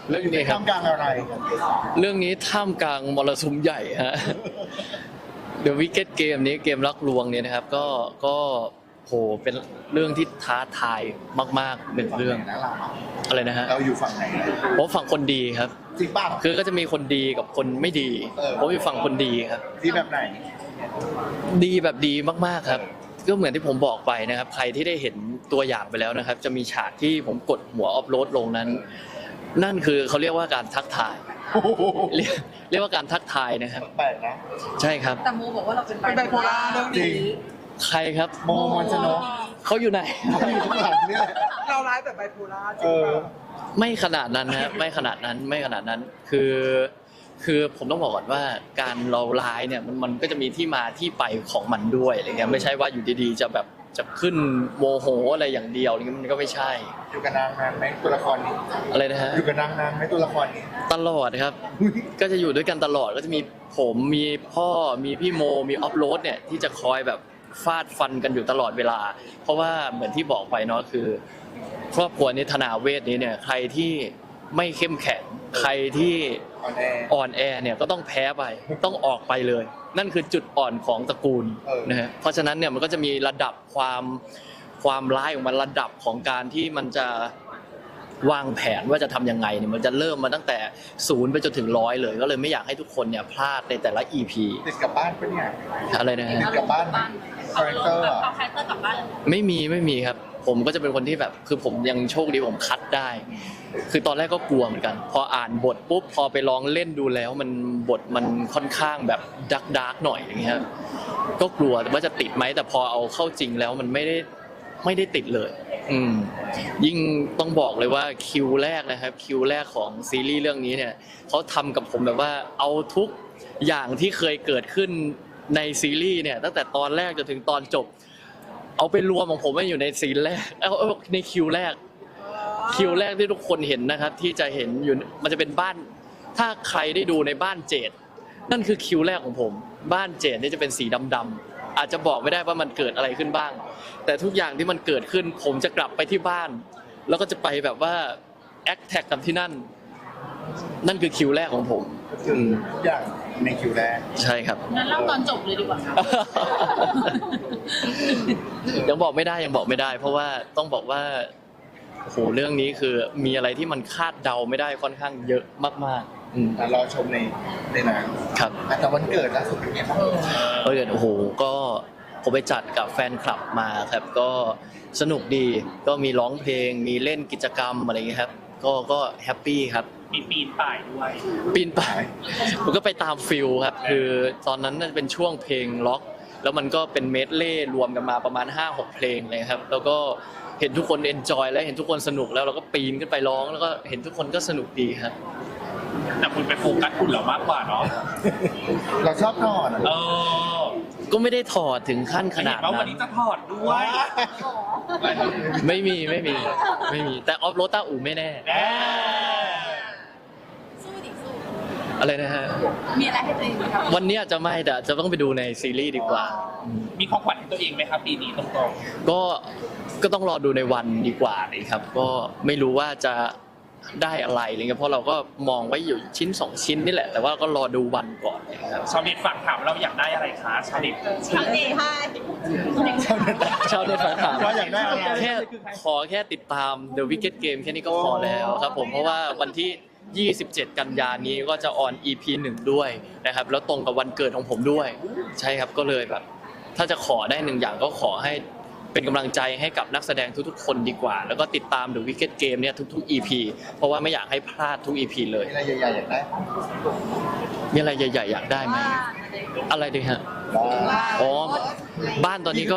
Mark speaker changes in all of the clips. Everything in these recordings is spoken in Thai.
Speaker 1: เรื่องนี้ครับ
Speaker 2: ท่ามกลางอะไร
Speaker 1: เรื่องนี้ท่ามกลางมรสุมใหญ่ฮะ The Wicked Game นี้เกมรักลวงเนี่ยนะครับก็โหเป็นเรื่องที่ท้าทายมากๆหนึ่งเรื่อง
Speaker 2: นะเรา
Speaker 1: อะไรนะฮะ
Speaker 2: เราอยู่ฝั่งไหน
Speaker 1: ผมฝั่งคนดีครับ
Speaker 2: จริงป่ะ
Speaker 1: คือก็จะมีคนดีกับคนไม่ดี ผมอยู่ฝั่งคนดีครับ
Speaker 2: ที่แบบไหน
Speaker 1: ดีแบบดีมากๆครับ ก็เหมือนที่ผมบอกไปนะครับ ใครที่ได้เห็นตัวอย่างไปแล้วนะครับ จะมีฉากที่ผมกดหัวอัพโหลดลงนั้น นั่นคือเขาเรียกว่าการทักทาย เรียกว่าการทักทายนะครับ
Speaker 2: แปลกนะ
Speaker 1: ใช่ครับ
Speaker 3: แต่โมบอกว่าเราเป็นไบโพล่าเรื่อง
Speaker 2: จริ
Speaker 3: นี้
Speaker 2: ง
Speaker 1: ใครครับ
Speaker 2: โมมนชนก
Speaker 1: เขาอยู่ไหน
Speaker 2: เขาอยู่ข้างหลังนี่แหละ
Speaker 3: เราร้ายแบบไบโพล่าจ
Speaker 2: เอ
Speaker 3: ริง
Speaker 2: อ
Speaker 3: ป่ะ
Speaker 1: ไม่ขนาดนั้นนะไม่ขนาดนั้นคือผมต้องบอกก่อนว่าการเราร้ายเนี่ยมันก็จะมีที่มาที่ไปของมันด้วยอะไรเงี้ยไม่ใช่ว่าอยู่ดีๆจะแบบจะขึ้นโมโหอะไรอย่างเดียวอะไรเงี้ยมันก็ไม่ใช่
Speaker 2: อยู่กับนางนานไหมตัวละครนี้
Speaker 1: อะไรนะฮะ
Speaker 2: อยู่กับนางนานไหมตัวละครนี้
Speaker 1: ตลอดครับ ก็จะอยู่ด้วยกันตลอดก็จะมีผมมีพ่อมีพี่โมมีออฟโรดเนี่ยที่จะคอยแบบฟาดฟันกันอยู่ตลอดเวลา เพราะว่าเหมือนที่บอกไปเนาะคือ ครอบครัวนี้ธนาเวทนี้เนี่ยใครที่ไม่เข้มแข็งใครที่
Speaker 2: ออนแอร์
Speaker 1: อ่อนแอเนี่ยก็ต้องแพ้ไปต้องออกไปเลย นั่นคือจุดอ่อนของตระกูล นะฮะเพราะฉะนั้นเนี่ยมันก็จะมีระดับความร้ายของมันระดับของการที่มันจะวางแผนว่าจะทำยังไงเนี่ยมันจะเริ่มมาตั้งแต่0ไปจนถึง100เลยก็เลยไม่อยากให้ทุกคนเนี่ยพลาดในแต่ละ EP
Speaker 2: ติดกับบ้านปะเนี่ย
Speaker 1: อะไรนะฮะ
Speaker 2: ติดกับบ้านไหมคาแรคเตอร์อะ
Speaker 3: เอาคาแรคเตอร์กลับบ้าน
Speaker 1: ไม่มีครับ ผมก็จะเป็นคนที่แบบคือผมยังโชคดีผมคัดได้ คือตอนแรกก็กลัวเหมือนกัน พออ่านบทปุ๊บพอไปลองเล่นดูแล้วมันบทมันค่อนข้างแบบดาร์กหน่อยอย่างเงี้ยก็กลัวว่าจะติดไหมแต่พอเอาเข้าจริงแล้วมันไม่ได้ติดเลย ยิ่งต้องบอกเลยว่าคิวแรกนะครับคิวแรกของซีรีส์เรื่องนี้เนี่ยเขาทำกับผมแบบว่าเอาทุกอย่างที่เคยเกิดขึ้นในซีรีส์เนี่ยตั้งแต่ตอนแรกจนถึงตอนจบ เอาไปรวมของผมไว้อยู่ในซีนแรกเอาในคิวแรกที่ทุกคนเห็นนะครับ ที่จะเห็นอยู่มันจะเป็นบ้านถ้าใครได้ดูในบ้านเจดนั่นคือคิวแรกของผมบ้านเจดนี่จะเป็นสีดำๆอาจจะบอกไม่ได้ว่ามันเกิดอะไรขึ้นบ้าง แต่ทุกอย่างที่มันเกิดขึ้นผมจะกลับไปที่บ้าน แล้วก็จะไปแบบว่าแอคแท็กกับที่นั่นคือคิวแรกของผม
Speaker 2: คือทุกอย่างในคิวแรก
Speaker 1: ใช่ครับ
Speaker 3: งั้นเล่าตอนจบเลยดีกว่าครับ
Speaker 1: ยังบอกไม่ได้ เพราะว่าต้องบอกว่าโอ้โหเรื่องนี้คือมีอะไรที่มันคาดเดาไม่ได้ค่อนข้างเยอะมากๆ
Speaker 2: รอชมในหนัง
Speaker 1: ครับ
Speaker 2: แต่วันเกิดล่าสุดเป็นไงบ้าง
Speaker 1: โอ้โหก็ผมไปจัดกับแฟนคลับมาครับก็สนุกดีก็มีร้องเพลงมีเล่นกิจกรรมอะไรอย่างเงี้ยครับก็แฮปปี้ครับ
Speaker 4: มีปีนป่ายด้วย
Speaker 1: ปีนป่ายผมก็ไปตามฟิลครับคือตอนนั้นน่าจะเป็นช่วงเพลงล็อก แล้วมันก็เป็นเมดเล่รวมกันมาประมาณ 5-6 เพลงเลยครับแล้วก็เห็นทุกคนเอนจอยและเห็นทุกคนสนุกแล้วเราก็ปีนขึ้นไปร้องแล้วก็เห็นทุกคนก็สนุกดีครับ
Speaker 4: แต่คุณไปโฟกัสคุณเหรอมากกว่าเนาะ
Speaker 2: เราชอบนอน
Speaker 4: เออ
Speaker 1: ก็ไม่ได้ถอดถึงขั้นขนาด
Speaker 4: เห็นว่าวั
Speaker 1: นั้น น
Speaker 4: นี้จะถอดด้วย
Speaker 1: ไม่มีแต่ออฟโรต้าอู่ไม่แน่
Speaker 4: แน่
Speaker 3: สู้ดิสู้
Speaker 1: อะไรนะฮะ
Speaker 3: มีอะไรให้ตัวเองไหมครับ
Speaker 1: วันนี้อาจจะไม่แต่จะต้องไปดูในซีรีส์ดีกว่า
Speaker 4: มีของขวัญให้ตัวเองไหมครับปีนี้ตรง
Speaker 1: ก็ต้องรอดูในวันดีกว่าเลยครับ ก็ไม่รู้ว่าจะได้อะไรอะไรเงี้ยเพราะเราก็มองไว้อยู่ชิ้น2ชิ้นนี่แหละ แต่ว่าก็รอดูวันก่อนนะครับ
Speaker 4: ๆชาวเน็ตฝากถามเราอยากได้อะไรคะชาวเน็ต
Speaker 3: ทำเองให้
Speaker 1: ชาวเน็ตฝากถาม
Speaker 2: ว่าอยากได้อะไร
Speaker 1: ขอแค่ติดตาม The Wicked Game แค่นี้ก็พอแล้วครับผมเพราะว่าวันที่ 27 กันยายนนี้ก็จะออน EP 1 ด้วยนะครับแล้วตรงกับวันเกิดของผมด้วย ใช่ครับก็เลยแบบ ถ้าจะขอได้1อย่างก็ขอให้เป็นกำลังใจให้กับนักแสดงทุกๆคนดีกว่า แล้วก็ติดตาม The Wicked Game เนี่ยทุกๆ EP เพราะว่าไม่อยากให้พลาดทุก EP เลย
Speaker 2: มีอะไรใหญ่ๆอยากได้
Speaker 1: มีอะไรใหญ่ๆอยากได้ไหมอะไรดีฮะอ๋อบ้านตอนนี้ก็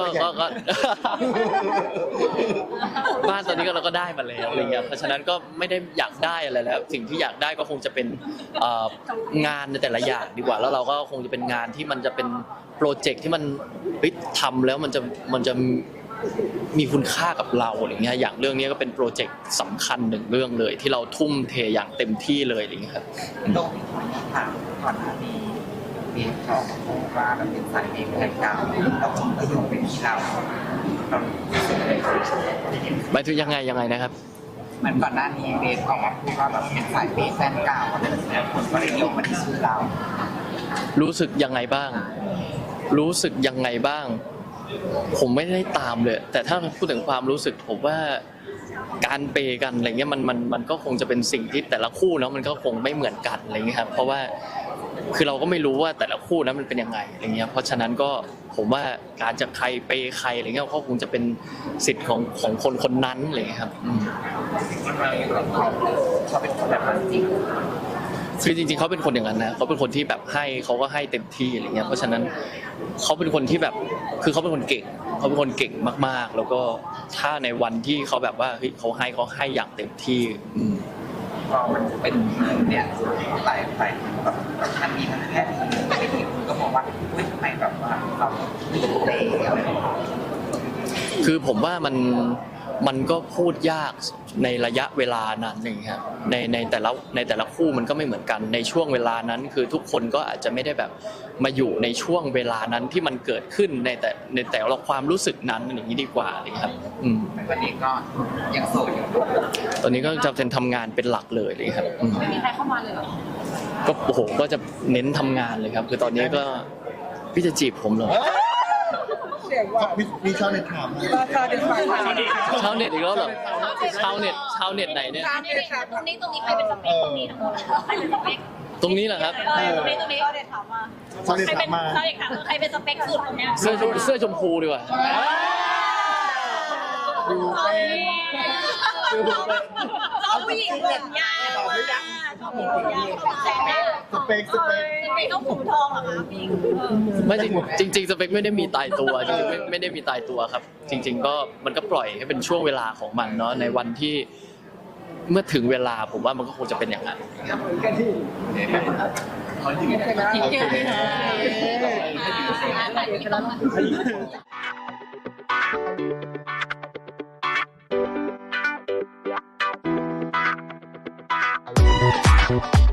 Speaker 1: บ้านตอนนี้ก็เราก็ได้มาแล้วอะไรเงี้ยเพราะฉะนั้นก็ไม่ได้อยากได้อะไรแล้ว สิ่งที่อยากได้ก็คงจะเป็นงานในแต่ละอย่างดีกว่า แล้วเราก็คงจะเป็นงานที่มันจะเป็นโปรเจกต์ที่มันทำแล้วมันจะมีคุณค่ากับเราอะไรเงี้ยอย่างเรื่องนี้ก็เป็นโปรเจกต์สำคัญหนึ่งเรื่องเลย ที่เราทุ่มเทอย่างเต็มที่เลยอะไรเงี้ยครับ
Speaker 5: ตรงที่ขออนุญาตถามก่อนหน้านี้มีข่าวมาว่ามันเป็นสายเอกแห่งกรรมแล้วผมก็โยงเป็นที่เรา
Speaker 1: หมายถึงยังไงนะครับ
Speaker 5: เหมือนก่อนหน้านี้เบสออกมาพูดว่าแบบเป็นสายเบสแฟนเก่าอะไรแบบเนี้ยคนก็เลยโยงมาที่ชื่อเรา
Speaker 1: รู้สึกยังไงบ้าง รู้สึกยังไงบ้าง ผมไม่ได้ตามเลย แต่ถ้าพูดถึงความรู้สึกผมว่าการเปย์กันอะไรเงี้ยมันก็คงจะเป็นสิ่งที่แต่ละคู่เนาะมันก็คงไม่เหมือนกันอะไรเงี้ยครับเพราะว่าคือเราก็ไม่รู้ว่าแต่ละคู่นั้นมันเป็นยังไงอะไรเงี้ยเพราะฉะนั้นก็ผมว่าการจะใครเปย์ใครอะไรเงี้ยก็คงจะเป็นสิทธิ์ของคนคนนั้นอะไรเงี้ยครับ
Speaker 5: เขาเป็นคนแบบนั้นจริง
Speaker 1: คือจริงๆเขาเป็นคนอย่างนั้นนะเขาเป็นคนที่แบบให้เขาก็ให้เต็มที่อะไรเงี้ยเพราะฉะนั้นเขาเป็นคนที่แบบคือเขาเป็นคนเก่งเขาเป็นคนเก่งมากๆ แล้วก็ถ้าในวันที่เขาแบบว่าเฮ้ยเขาให้อย่างเต็มที่
Speaker 5: พอมันเป็นเนี่ยหลายแบบมันมีทั้งแค่ดีไม่ดีคุณก็มองว่าเฮ้ยทำไมแบบว่าเราเตะอะไรแบบนี้
Speaker 1: คือผมว่ามันก็พูดยากในระยะเวลานั้นนี่ครับในแต่ละคู่มันก็ไม่เหมือนกันในช่วงเวลานั้นคือทุกคนก็อาจจะไม่ได้แบบมาอยู่ในช่วงเวลานั้นที่มันเกิดขึ้นในแต่ละความรู้สึกนั้นอย่างนี้ดีกว่าเลยครับ
Speaker 5: วันนี้ก็ยังโสดอยู่
Speaker 1: ตอนนี้ก็จะเป็นทำงานเป็นหลักเลยเลยครับ
Speaker 3: ไม่มีใครเข้ามาเลยเหรอ
Speaker 1: ก็โอ้โหก็จะเน้นทำงานเลยครับคือตอนนี้ก็พี่จะจีบผมเหรอ
Speaker 2: มีชาวเน็ตถาม
Speaker 3: ชาวเน็ต
Speaker 1: ชาวเน็ตอีกแล้วเหรอชาวเน็ตไหนเนี่ย
Speaker 3: ตรงนี้ใครเป็นสเปคตรงนี้ทั้งหมดใครเป็นสเปค
Speaker 1: ตรงนี้เหรอครับ
Speaker 3: ตรงนี้ชาวเน็ตถามมา
Speaker 2: ชาวเน็ตถามมา
Speaker 3: ชาวเน็ตถามใครเป็นสเปคสุดตรงเนี้ย
Speaker 1: เสื้อชมพูดีกว่า
Speaker 3: เอาผู้หญิงผมยาวชอบผมยาว
Speaker 2: สเปค
Speaker 3: ต้องผมทองเหรอคะพี่
Speaker 1: ไม่จริงสเปคไม่ได้มีตายตัวจริงๆไม่ได้มีตายตัวครับจริงๆก็มันก็ปล่อยให้เป็นช่วงเวลาของมันเนาะในวันที่เมื่อถึงเวลาผมว่ามันก็คงจะเป็นอย่างนั้น
Speaker 3: Thank you.